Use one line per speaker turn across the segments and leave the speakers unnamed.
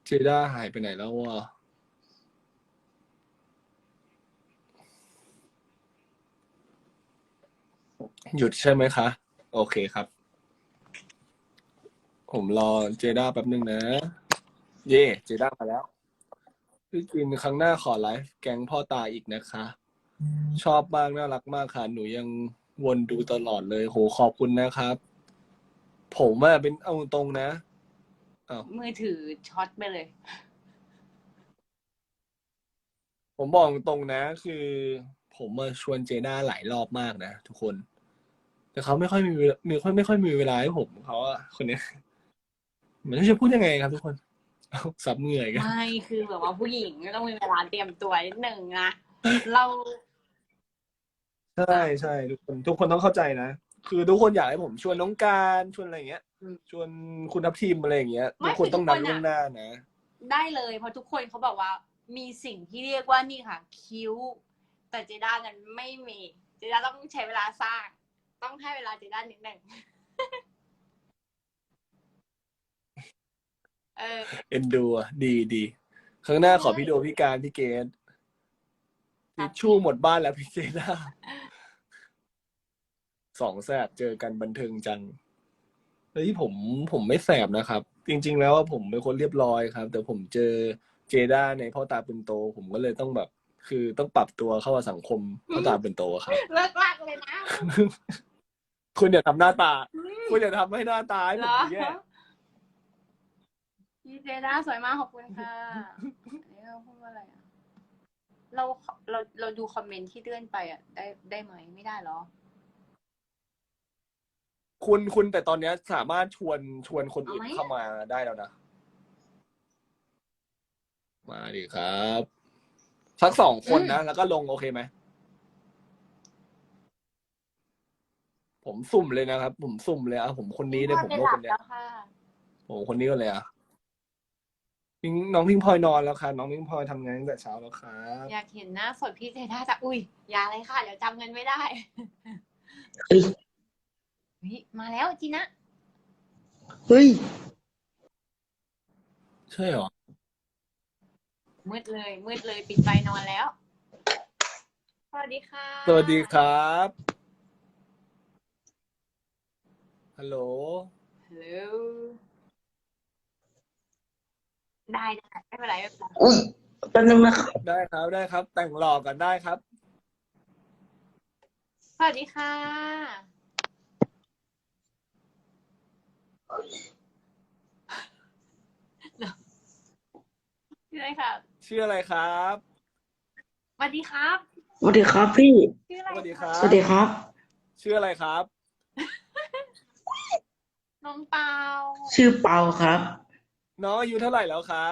เจด้าหายไปไหนแล้ววะหยุดใช่ไหมคะ โอเคครับ ผมรอเจด้าแป๊บนึงนะ เย่เจด้ามาแล้วพี่กินครั้งหน้าขอไลฟ์แก๊งพ่อตาอีกนะคะ ชอบมากน่ารักมากค่ะ หนูยังวนดูตลอดเลยโหขอบคุณนะครับ ผมอะเป็นเอาตรงนะอ้าว
มือถือช็อตไปเลย
ผมบอกตรงนะ คือผมมาชวนเจด้าหลายรอบมากนะทุกคน แต่เขาไม่ค่อยมีเวลาไม่ค่อยมีเวลาให้ผมเขาอะคนเนี้ยเหมือนจะพูดยังไงครับทุกคนเอาซับเหงื่อยกัน
ไม่คือแบบว่าผู้หญิงก็ต้องมีเวลาเตรียมตัวนิดหนึ่งอะเรา
ใช่ใช่ทุกคนต้องเข้าใจนะคือทุกคนอยากให้ผมชวนน้องการชวนอะไรอย่างเงี้ยชวนคุณทัพทีมอะไรอย่างเงี้ยทุ
ไม่
กคนต้องนัดล่วงหน้านะ
ได้เลยเพราะทุกคนเขาบอกว่ามีสิ่งที่เรียกว่านี่ค่ะคิ้วแต่เจด้านั้นไม่มีเจด้าต้องใช้เวลาสร้าง ต้องให้เวลาเจด้านิดหนึ่ง
เอ็นดูอ่ะดีครั้งหน้าขอพี่โดพี่การพี่เกณทิชชู่หมดบ้านแล้วพี่เจด้าสองแสบเจอกันบันเทิงจังเฮ้ยผมไม่แสบนะครับ จริงๆแล้วผมเป็นคนเรียบร้อยครับ แต่ผมเจอเจด้าในพ่อตาปืนโต ผมก็เลยต้องแบบ คือต้องปรับตัวเข้ากับสังคมพ่อตาปืนโตครับ
เลิกลากเลยนะ
คุณอย่าทำหน้าตา คุณอย่าทำให้หน้าตาให้ผมแย่
พี่เจด้าสวยมากขอบคุณค่ะอันนี้เราพูดว่าอะไรอ่ะเราดูคอมเมนต์ที่เลื่อนไปอ่ะได้ไหมไม่ได้หรอ
คุณแต่ตอนนี้สามารถชวนคนอื่นเข้ามาได้แล้วนะ มาดิครับสัก2 คนนะ แล้วก็ลงโอเคไหม ผมสุ่มเลยนะครับ ผมสุ่มเลยอ่ะผมคนนี้เลยผมโลกคนเนี้ยผมคนนี้ก็เลยอ่ะน้องพิงพลอยนอนแล้วค่ะน้องพิงพลอยทำงานตั้งแต่เช้าแล้วครับ
อยากเห็นหน้าสดพี่เจด้าจะอุ้ยอย่าเลยค่ะเดี๋ยวจำเงินไม่ได้
เฮ้ย
มาแล้วจีนะ
เฮ้ย
ใช่เหรอ
มืดเลยปิดไฟนอนแล้ว สวัสดีค่ะ
สวัสดีครับฮัลโหล
ฮัลโหลได้ไม่เป็นไร
อุ้ยแป๊บนึงนะครับ
ได้ครับ แต่งหล่อกันได้ครับ
สวัสดีค่ะชื่ออะไรค่ะ
ชื่ออะไรครับ
สวัสดีครับ
สวัสดีครับพี่
ชื่ออะไร
สวัสดีครับ
สวัสดีครับ
ชื่ออะไรครับ
น้องเปา
ชื่อเปาครับ
น้องอายุเท่าไหร่แล้วครับ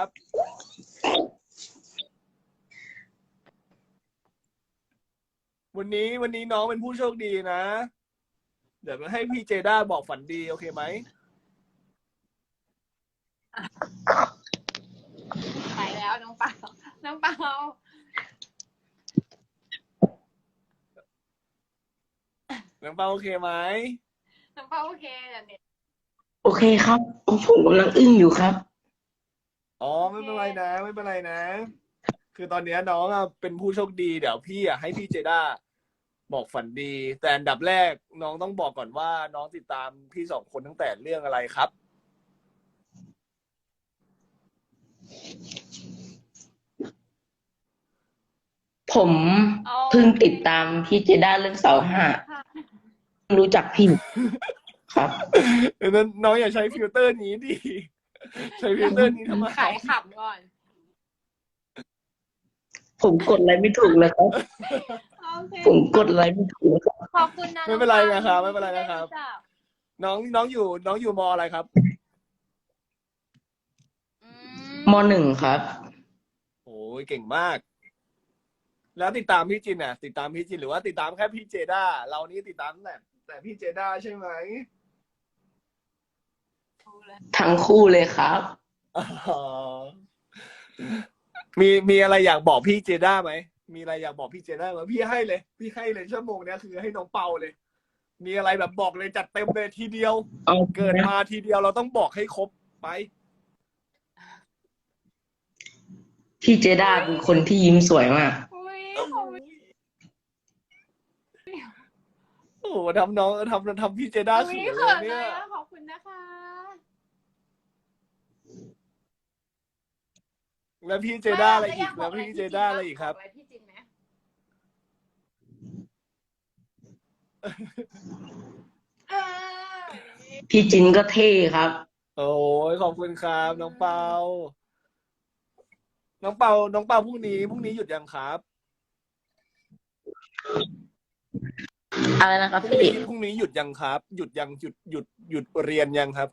วันนี้น้องเป็นผู้โชคดีนะ เดี๋ยวให้พี่เจด้าบอกฝันดีโอเคไหม
ไปแล้วน้องเปาน้องเปา
น้องเปาโอเคไหม
น้องเปาโอเคเดี๋ยวเน็ต
โอเคครับ ผมกำลังอึ้งอยู่ครับ
อ๋อไม่เป็นไรนะไม่เป็นไรนะ คือตอนนี้น้องอ่ะเป็นผู้โชคดีเดี๋ยวพี่อ่ะให้พี่เจด้าบอกฝันดี แต่อันดับแรกน้องต้องบอกก่อนว่าน้องติดตามพี่2 คนตั้งแต่เรื่องอะไรครับ
ผมเพิ่งติดตามพี่เจด้าเรื่องเสาห้ารู้จักพี่ครับ
นั้นน้องอย่าใช้ฟิลเตอร์นี้ดิใช้ฟิลเตอร์นี้ทำไม
ขายขำก่อน
ผมกดอะไรไม่ถูกเลยครับ
โอเค
ผมกดอะไรไม่ถูกเลยครับ
ขอบคุณนะ
ไม่เป็นไรนะครับไม่เป็นไรนะครับ น้องอยู่มอะไรครับ
ม.1 ครับ
โอ้ยเก่งมาก แล้วติดตามพี่จินอ่ะติดตามพี่จินหรือว่าติดตามแค่พี่เจด้าเรานี่ติดตามแต่พี่เจด้าใช่ไหม
ทั้งคู่เลยครับ
อ๋อมีอะไรอยากบอกพี่เจด้าไหมมีอะไรอยากบอกพี่เจด้าไหมพี่ให้เลยชั่วโมงเนี้ยคือให้น้องเปาเลย มีอะไรแบบบอกเลยจัดเต็มเลยทีเดียว
เอา
เกิดมาทีเดียวเราต้องบอกให้ครบไป
พี่เจด้าเป็นคนที่ยิ้มสวยมาก
อุ้ยขอบคุณ
โอ้โหทำน้องทำพี่เจด้า
อุ้
เขิ
ย
น
เขิน
เล
เลย ย
เนี่ย
อะขอบคุณนะคะ
แล้วพี่เจด้าอะไรอีก
ม่
แล้วพี่เจด้าอะไรอีกครับ
บอะไรพี่จินไหมเออ
พี่จินก็เท่ครับ
โอ้ยขอบคุณครับน้องเปาน้องเปาพรุ่งนี้หยุดยังครับ
อะไรนะครับ
พรุ่ง
พี่
นี้พรุ่งนี้หยุดยังครับ หยุดยังหยุดเรียนยังครับ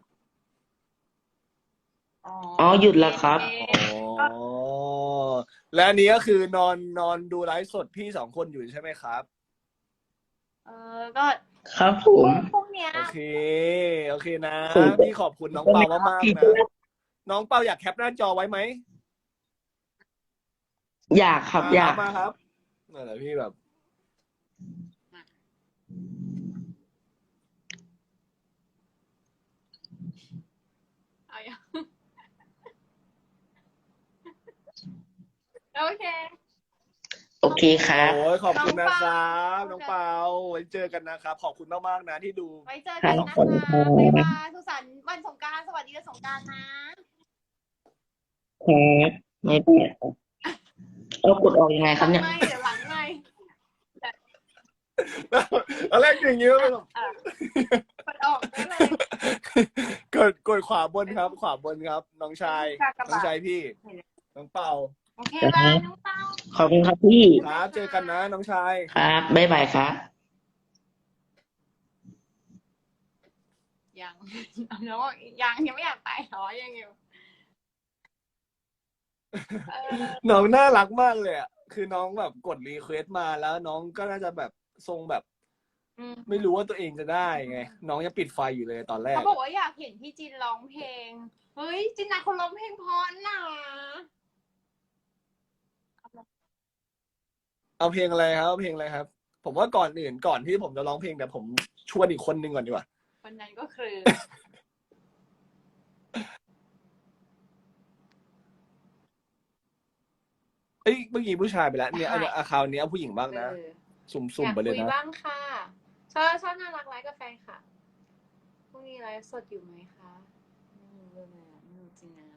อ๋อหยุดแล้วครับ
อ๋อและอันนี้ก็คือนอนดูไลฟ์สดพี่2 คนอยู่ใช่ไหมครับ
ก็
ครับผม
พรุ่งเนี้ย
โอเคนะ
ผม
พี่ขอบคุณน้องเปามากๆนะน้องเปาอยากแคปหน้าจอไว้ไหม
อยากครับ อยาก
มาครับนั่นแหละพี่แบบ
เอาอย่าง โอเค
โอเคครับ
โอ้ยขอบคุณนะครับ
น้
น้
อ
อง ง
เปา
เปาไว้เจอกันนะครับ ขอบคุณมากๆนะที่ดู
ไว้เจอกันนะ
ครั
คะ
บ
บ๊ายบายสุขสันต์วันสงกรานต์สวัสดีวันสงกรานต์นะ
ครับไม่เป็นไรครับเอากดออกยังไงครับเนี่ย
เดี๋ยวหลังไม่
อะไรอย่างเงี้ยเลยแบบ
กดออกได้เลย
กดขวาบนครับ ขวาบนครับ น้องชาย น้องชายพี่ น้องเปา
โอเคบายน้องเปา
ขอบคุณครับพี่
ครับ เจอกันนะน้องชาย
ครับบ๊ายบายครับ
ยัง น้องยังไม่อยากไปหรอยังอยู่เออ
น้องน่ารักมากเลยอ่ะ คือน้องแบบกดรีเควสต์มาแล้วน้องก็น่าจะแบบทรงแบบ
อืม
ไม่รู้ว่าตัวเองจะได้ไง น้องยังปิดไฟอยู่เลยตอนแรก
เขาบอกว่าอยากเห็นพี่จินร้องเพลง เฮ้ยจินนะคนร้องเพลงเพราะนะ
เอาเพลงอะไรครับเอาเพลงอะไรครับ ผมว่าก่อนที่ผมจะร้องเพลงแต่ผมชวนอีกคนนึงก่อนดีกว่า
คนนั้นก็คือ
เอ้ยเมื่อกี้ผู้ชายไปแล้วเนี่ยอันอาคราวนี้เอาผู้หญิงบ้างนะ สุ่ม
อยาก
ๆไปเลย
คุย
นะ
บ้างค่ะชอบน่ารักไลฟ์กับแฟนค่ะพรุ่งนี้ไลฟ์สดอยู่ไหมคะไม่รู้เลยอะไม่รู้จริงนะ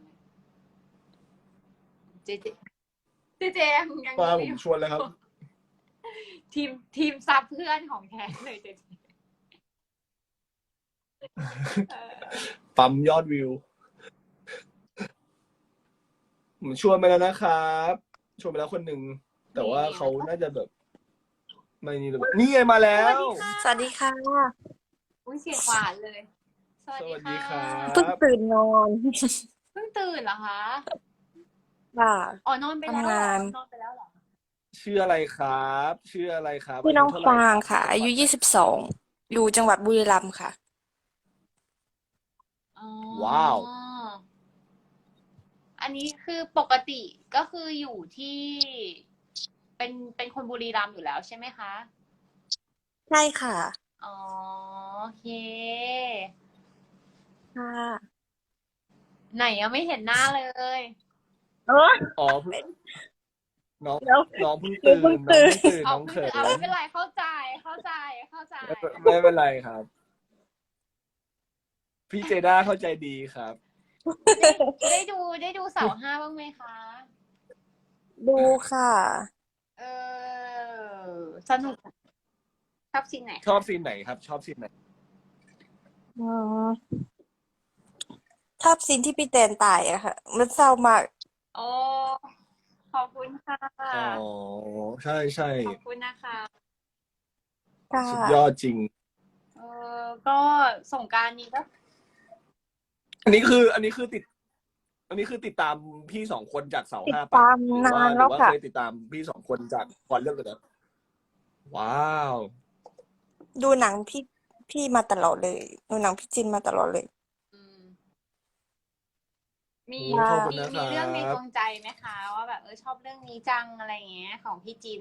เจยัง
ว่าผ
อยู่
มชวนเลยครับ
ทีมซับเพื่อนของแท้เลยเจเออ
ปั๊มยอดวิว ผมชวนไปแล้วนะครับชวนไปแล้วคนหนึ่งแต่ว่าเขาน่าจะแบบ ไม่นี่เลยนี่ไงมาแล้ว
สวัสดีค่ะ
อุ้ยเสียงหวานเลย สวัส
สวัสดี
ดี
ครั
ค่ะ
เพิ่ง
บ
ตื่นนอน
เพิ่งตื่นเหรอคะ
ค่ะ
อ๋อนอนไปแล้วเหร
ทำงา
อน นอนไปแล้วเหรอ
ชื่ออะไรครับชื่ออะไรครับ
พี่น้อง
ายุ
ฟา
เท่าไหร่
งค่ะ อายุ 22 อยู่จังหวัดบุรีรัมย์ค่ะ
อ๋อ
ว้าว
อันนี้คือปกติก็คืออยู่ที่ เป็นคนบุรีรัมย์อยู่แล้วใช่ไหมคะ
ใช่ค่ะ
อ๋อโอเค
ค่ะ
ไหนยังไม่เห็นหน้าเลย
เออ
อ๋อน้อง
เดี๋ยว
น้องเพิ่งตื่น
เพิ่งตื่น
น้องเขิน
เอาไม่เป็นไรเข้าใจ
ไม่เป็นไรครับ พี่เจด้าเข้าใจดีครับ
ได้ดูเสาห้าบ้างไหมคะ
ดูค่ะ
เออสนุกชอบซีนไหน
ชอบซีนไหนครับ ชอบซีนไหน
อืมชอบซีนที่พี่แตนตายอะค่ะ มันเศร้ามาก
โอ้ขอบคุณค่ะ
อ๋อใช่ใช่
ขอบคุณนะคะ
ค่ะ
สุดยอดจริง
ก็สงกรานต์นี้ก็
อันนี้คือติดตามพี่2 คนจากเสา
ติด
ห้า
ตาม
หรือ
นา
ว่าน ห
แล้
รื
ว
อว่า
ค่ะ
เคยติดตามพี่2 คนจากก่อนเรื่องเลยนะว้าว
ดูหนังพี่มาตลอดเลย ดูหนังพี่จินมาตลอดเลย
อืมมี
โอ้ขอบคุณ
มี
นะครับ
เรื่องในดวงใจไหมคะว่าแบบชอบเรื่องนี้จังอะไรอย่างเงี้ย ของพี่จิน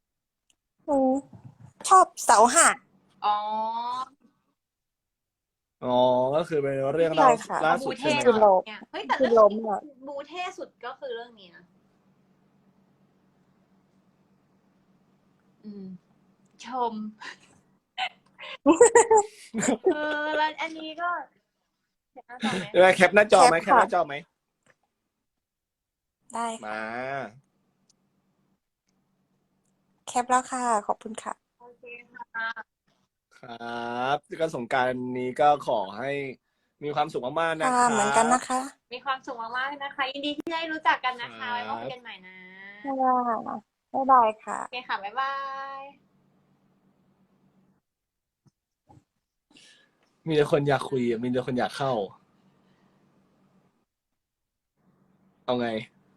ชอบเสาห้า
อ๋อ
อ๋อก็คือเป็นเรื่อง
ใช่
เล่า
ค่ะ
ล่า
บู
สุด
เท่
ใช่ไหม
คือ
ค
ห
รั
น่
บ
อยเนี่ยเฮ้ยแต่
คือ
เรื่อง
ล้มอ่ะ
บูเท่สุดก็คือเรื่องนี้นะอืม ชม แล้วอันนี้ก็เห็นหน้าจอไหม
แคปหน้าจอไหม
แค
แค
ป
ปห
ค่ะ
น้าจอไหม
ได้ค่ะ
มา
แคปแล้วค่ะ ขอบคุณค่ะ
โอเคค่ะ
ครับก็สงกรานต์นี้ก็ขอให้มีความสุขมากๆนะ
ค่ะ
ค
เหมื
รั
อนกัน
บ
นะคะ
มีความสุขมากๆนะคะ ยินดีที่ได้รู้จักกันนะ
ครั
คะ ไว้มาคุย
บ
กันใหม่นะ
ค่ะบ๊ายบายค่ะ
โอเคค่ะ บ๊ายบาย
มีแต่คนอยากคุยมีแต่คนอยากเข้า เอาไง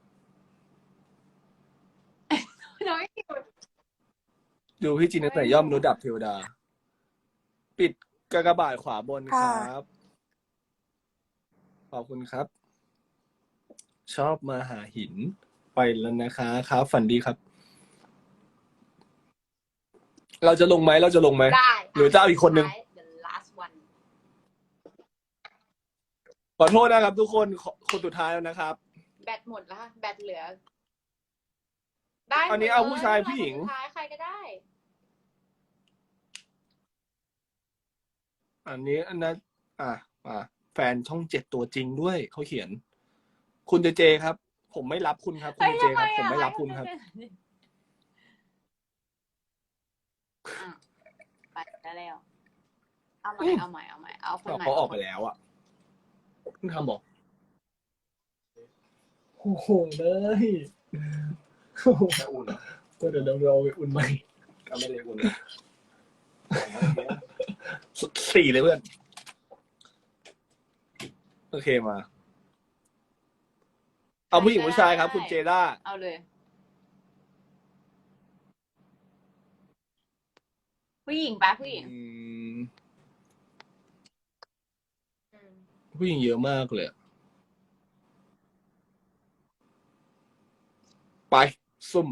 น้อยอยู่
ดูพี่จินตั้งแต่ย่อมนุษย์ดับเทวดา ปิดกากบาทขวาบนค
ค่ะ
รับ ขอบคุณครับ ชอบมาหาหินไปแล้วนะคะครับ ฝันดีครับ เราจะลงไหม
ได้
หรือจะเอาอีกคนนึง
สุดท้าย the last one
ขอโทษนะครับทุกคนคนสุดท้ายแล้วนะครับ
แบตหมดแล้วค่ะแบตเหลือ ได้
อันนี้
หมด
เอา
ล
ผู้ชายผู้หญิง
คนสุดท้ายใครก็ได้
อันนี้อันนั้นแฟนช่อง7ตัวจริงด้วยเขาเขียน คุณเจเจครับ ผมไม่รับคุณครับ คุณ
เฮ้ย
เจเจ
ทำไม
ครับ ผม
อ่ะ
ไม่รับคุณครับ
อ่ะไปแล้ว เอาใหม่ เอาใหม่ เอาใหม่ เอาคนใหม่
เขาออกไปแล้วอ่ะเพิ่งทำบอกโอ้โหเลยก็เดี๋ยวเราไปอุ่นใหม่ก็ไม่ได้อุ่น4เลยเพื่อนโอเคมา เอาผู้หญิงผู้ชายครับ คุณเจด้า
เอาเลย ผู้หญิงปะผู้หญิง
ผู้หญิงเยอะมากเลย ไป ซุ่ม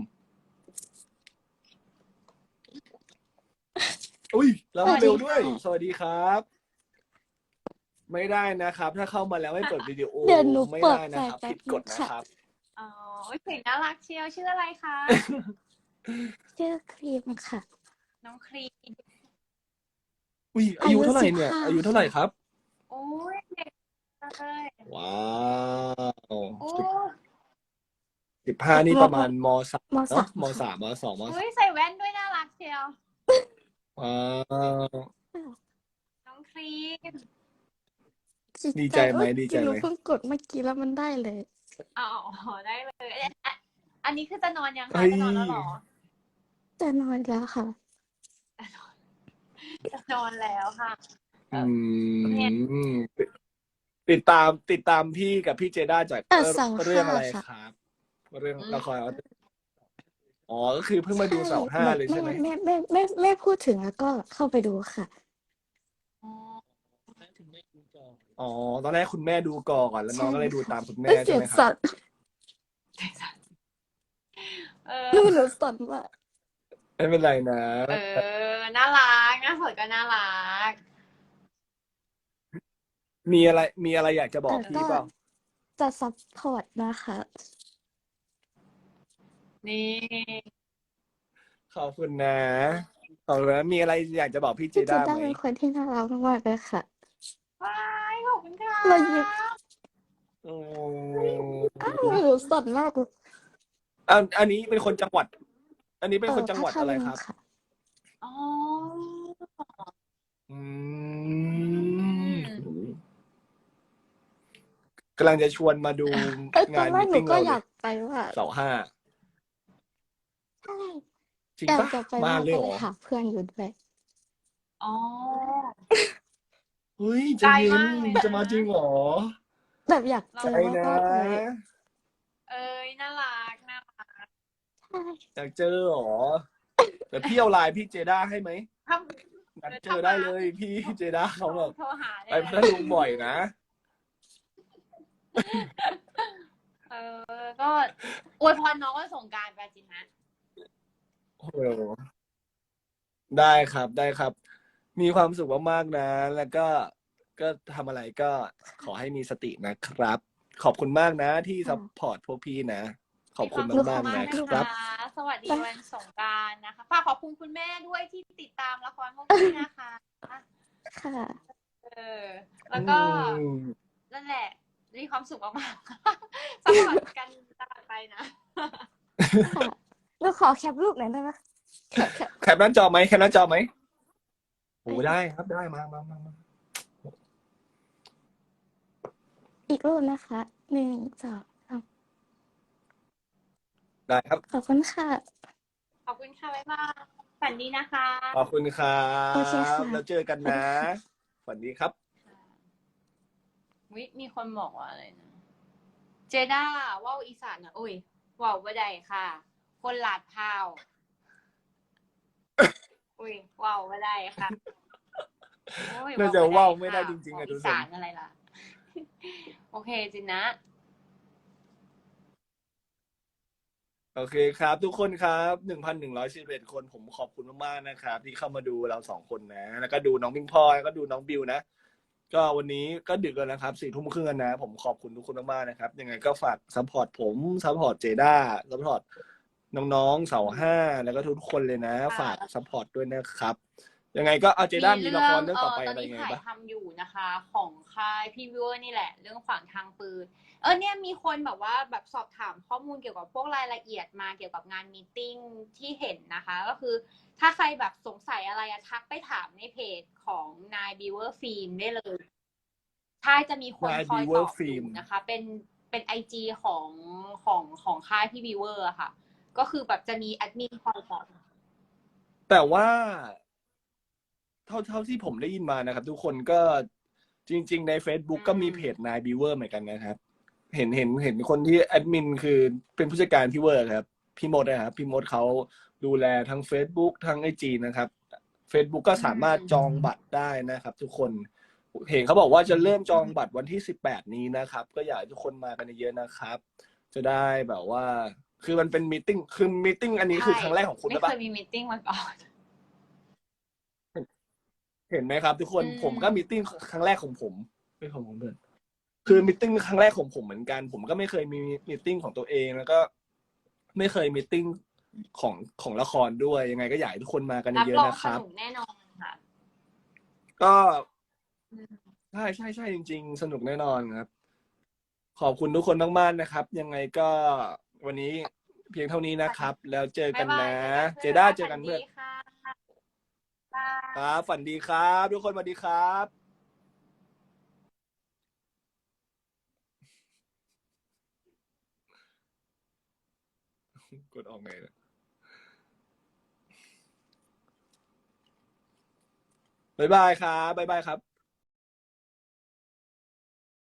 อุ้ยเราเร็วด้วย สวัสดีครับ ไม่ได้นะครับ ถ้าเข้ามาแล้วไม่เปิดวิดีโอ
เดี๋ยวหนู
ไม่
เปิด
ได้นะครับ
แป๊บ
ผิดกฎนะครับ
อ๋อเสียงน่ารักเชียว ชื่ออะไรคะ
ชื่อครีมค่ะ
น้องครีม
อุ้ยอายุเท่าไหร่เนี่ย
อายุ15
อายุเท่าไหร่ครับ
โอ้ยเด็กเลย
ว้าว
โอ้
15นี่ประมาณมสาม
ม
เนาะ
สาม
มสามมสองม
เฮ้ยใส่แว่นด้วยน่ารักเชียว
ว้าว
น้องครีม
ดีใจไหมดีใจไหม
หนูเพิ่งกดเมื่อกี้แล้วมันได้เลย
อ๋อได้เลยอันนี้คือจะนอนยัง
เฮ้
คะ
ย
จะนอนแล้วเหรอ
จะนอนแล้วค่ะ
จะนอนแล้วค่ะ
ติดตามพี่กับพี่เจด้าจาก
เสา
เรื่องอะไร
ค่ะ
ครับ เรื่องละครอ๋อก็คือเพิ่งมาดูเสาห้าเลยใช่ไหม
ไม่พูดถึงแล้วก็เข้าไปดูค่ะ
อ๋อตอนแรกคุณแม่ดูก่อนแล้วน้องก็เลยดูตามคุณแม่
เสี
ใช่
ย
ไห
ง
มค
สั่
รับ
นหนูสั่นมาก
ไม่เป็นไรนะ
น่ารักน่าสดก็น่ารัก
มีอะไรอยากจะบอกพี่เปล่า
จะซัพพอร์ตนะคะ
นี่
ขอบคุณนะขอบคุณนะมีอะไรอยากจะบอกพี่เจ
พี่เจ
ด้า
ด้า
ไหม
เป็นคนที่น่ารักมากๆเลยค่ะ
ว้ายขอบคุณค่ะ
เรายิ้ม
โอ้
หนูสั่นมากเลย
อันนี้เป็นคนจังหวัด อันนี้เป็นคนจังหวัดอะไรครับ
ค่ะ
อ๋อ
อืมกำลังจะชวนมาดู
ตอน
งาน
แร
มิ
ก
ท
หนู
ติ้ง
ก็
เรา
อยากไปว่า
เสาห้า
ใช่
จริง
อยาก
ปะ
จะไป
มา
ว่า
เลย
ก็
เหร
เลย
อ
หาเพื่อนอยู่ด้วย
อ๋อ
เฮ้ยใจ
ไกล
เย็น
มากเลยนะ
จะมาจริงเหรอ
แบบอยากเจอ
ไปนะ
มากๆเลย
น่ารักน่ารัก
ใช่
อยากเจอเหรอแต่พี่เอาไลน์พี่เจด้าให้ไหม
ถ้า
นัดเจอได้เลยพี่เจด้าเขาแบบ
โทรหา
ไปพัทลุงบ่อยนะ
ก็อวยพรน้องวันสงกรานต์ไปจินนะ
โอ้โหได้ครับ มีความสุขมากๆนะ แล้วก็ก็ทำอะไรก็ขอให้มีสตินะครับ ขอบคุณมากนะที่ซัพพอร์ตพวกพี่นะ ขอบคุณ
มีคว
มากๆ
สุข
นะครับ
สวัสดีวันสงกรานต์นะคะฝากขอบคุณคุณแม่ด้วยที่ติดตามละครพวกพี่นะคะ
ค่ะ
แล้วก็นั่นแหละมีความสุขมากๆซัพพอร์ตกันตลอดไปนะ
ค่ะเราขอแคปรูปหน่อยได้ไหมแคป
แคปหน้าจอไหมแคปหน้าจอไหมโอ้ได้ครับได้มา
อีกรูปนะคะ 1 2 3
ได้ครับ
ขอบคุณค่ะ
ขอบคุณค่ะบ๊ายบายฝันดีนะคะ
ขอบคุณครั
โอเคค่ะ
บแล้วเจอกันนะสวัสดีครับ
มีคนบอกว่าอะไรนะเจด้าว่าวอีสานนะอุ้ยว่าวบ่ได้ค่ะ คนลาดพร้าวอุ้ยว่าวบ่ได้ค่ะโอ้ย
น่าจะว่าวไม่ได้จริงๆ
ว่าว
อะดู
อี
สิ
สานอะไรล่ะ โอเคจินนะ
โอเคครับ ทุกคนครับ 1,111 คนผมขอบคุณมากๆนะครับ ที่เข้ามาดูเรา2 คนนะ แล้วก็ดูน้องพิงพลอยแล้วก็ดูน้องบิวนะ ก็วันนี้ก็ดึกแล้วนะครับ 4 ทุ่มครึ่งนะ ผมขอบคุณทุกคนมากๆนะครับ ยังไงก็ฝากซัพพอร์ตผมซัพพอร์ตเจด้าซัพพอร์ตน้องๆเสาห้าแล้วก็ทุกคนเลยนะ ฝากซัพพอร์ตด้วยนะครับ ยังไงก็เอาเจด้ามีละครเรื่องต่อไปอะไรยังไง
ตอนนี้ถ่าย
บ้าง
ทำอยู่นะคะ ของค่ายพี่วิวเวอร์นี่แหละ เรื่องขวางทางปืนเนี่ยมีคนแบบว่าแบบสอบถามข้อมูลเกี่ยวกับพวกรายละเอียดมาเกี่ยวกับงานมีตติ้งที่เห็นนะคะ ก็คือถ้าใครแบบสงสัยอะไรทักไปถามในเพจของนายบิวเวอร์ฟิล์มได้เลยใช่จะมีคนคอยตอบอยู่นะคะ เป็นIG ของค่ายพี่บิวเวอร์ค่ะ ก็คือแบบจะมีแอดมินคอยตอบ
แต่ว่าเท่าที่ผมได้ยินมานะครับ ทุกคนก็จริง ๆ ใน Facebook ก็มีเพจนายบิวเวอร์เหมือนกันนะครับ เห็นคนที่แอดมินคือเป็นผู้จัดการพี่เวอร์ครับพี่มดนะครับพี่มดเขาดูแลทั้ง Facebook ทั้ง IG นะครับ Facebook ก็สามารถจองบัตรได้นะครับ ทุกคนเห็นเขาบอกว่าจะเริ่มจองบัตรวันที่18นี้นะครับ ก็อยากให้ทุกคนมากันเยอะๆนะครับ จะได้แบบว่า คือมันเป็นมีตติ้งคือมีตติ้งอันนี้คือครั้งแรกของคุณ
ไม่
หรือเป
เค
ล่า
ยมีมีตติ้งมาก่อน
เห็นไหมครับ ทุกคน
อืม
ผมก็มีตติ้งครั้งแรกของผมไม่ของผมเพื่อนคือมีตติ้งครั้งแรกของผมเหมือนกัน ผมก็ไม่เคยมีมีตติ้งของตัวเองแล้วก็ ไม่เคยมีตติ้งของละครด้วยยังไงก็อยากให้ทุกคนมากัน
รับ
เย
ร
อะ
อง
ๆนะค
ส
รับ
นุกแน่นอนค่ะ
ก็ใช่จริง ๆ สนุกแน่นอนครับ ขอบคุณทุกคนมากๆนะครับ ยังไงก็วันนี้เพียงเท่านี้นะครับ แล้วเจอกันนะ เจด้าเจอกันเพื่อน
ค่ะ
ครับฝันดีครับทุกคนสวัสดีครับ กดออกไงเนี่ยบ๊ายบายครับบ๊ายบายครับ